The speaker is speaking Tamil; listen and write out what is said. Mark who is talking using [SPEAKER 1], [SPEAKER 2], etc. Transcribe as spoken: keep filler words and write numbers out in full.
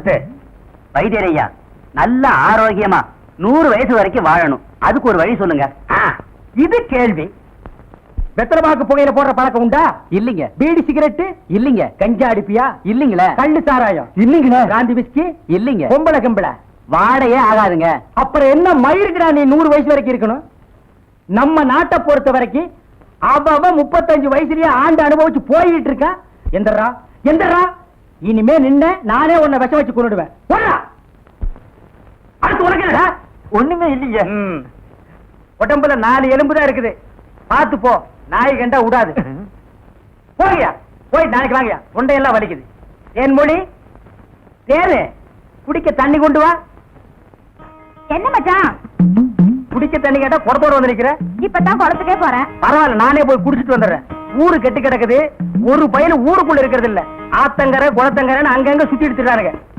[SPEAKER 1] பெருசு.
[SPEAKER 2] வைத்தியரையா நல்ல ஆரோக்கியமா நூறு வயசு வரைக்கும் வாழணும், அதுக்கு ஒரு வழி சொல்லுங்க.
[SPEAKER 1] ஆ, இது கேள்வி. வெத்தலமாக்கு புகையில போடுற பழக்கம் உண்டா?
[SPEAKER 2] இல்லீங்க.
[SPEAKER 1] பீடி சிகரெட்டு
[SPEAKER 2] இல்லீங்க.
[SPEAKER 1] கஞ்சா அடிப்பியா?
[SPEAKER 2] இல்லீங்களே.
[SPEAKER 1] கள்ளு சாராயம்
[SPEAKER 2] இல்லீங்களே.
[SPEAKER 1] காந்தி விஸ்கி
[SPEAKER 2] இல்லீங்க.
[SPEAKER 1] பொம்பளை கம்பளை
[SPEAKER 2] வாடையே ஆகாதுங்க.
[SPEAKER 1] அப்புறம் என்ன மயிருக்குடா நீ நூறு வயசு வரைக்கும் இருக்கணும்? நம்ம நாட்டை பொறுத்த வரைக்கும் அவ முப்பத்தஞ்சு வயசுலயே ஆண்டு அனுபவிச்சு போயிட்டு இருக்கா. எந்தரா எந்தரா இனிமே நின்ன நானே உன்னை விஷம் வச்சு கொண்டுடுவேன். அடுத்து உனக்கு
[SPEAKER 2] ஒண்ணுமே இல்லீங்க.
[SPEAKER 1] உடம்புல நாலு எலும்பு தான் இருக்குது, பார்த்து போ. நாய் கண்டா விடாது. போகியா போய் நாளைக்கு வாங்கயா, தொண்டையெல்லாம் வலிக்குது. தேன் மொழி தேனு குடிக்க தண்ணி கொண்டு வா.
[SPEAKER 3] என்ன மச்சான்
[SPEAKER 1] குடிக்க தண்ணி கேட்டா குடத்தோட வந்து நிக்கிற.
[SPEAKER 3] இப்பதான் குளத்துக்கே போறேன்.
[SPEAKER 1] பரவாயில்ல, நானே போய் குடிச்சிட்டு வந்துடுறேன். ஊரு கெட்டு கிடக்குது, ஒரு பையன் ஊருக்குள்ள இருக்கிறது இல்ல. ஆத்தங்கரை குளத்தங்கரைன்னு அங்கங்க சுத்தி எடுத்துட்டானுங்க.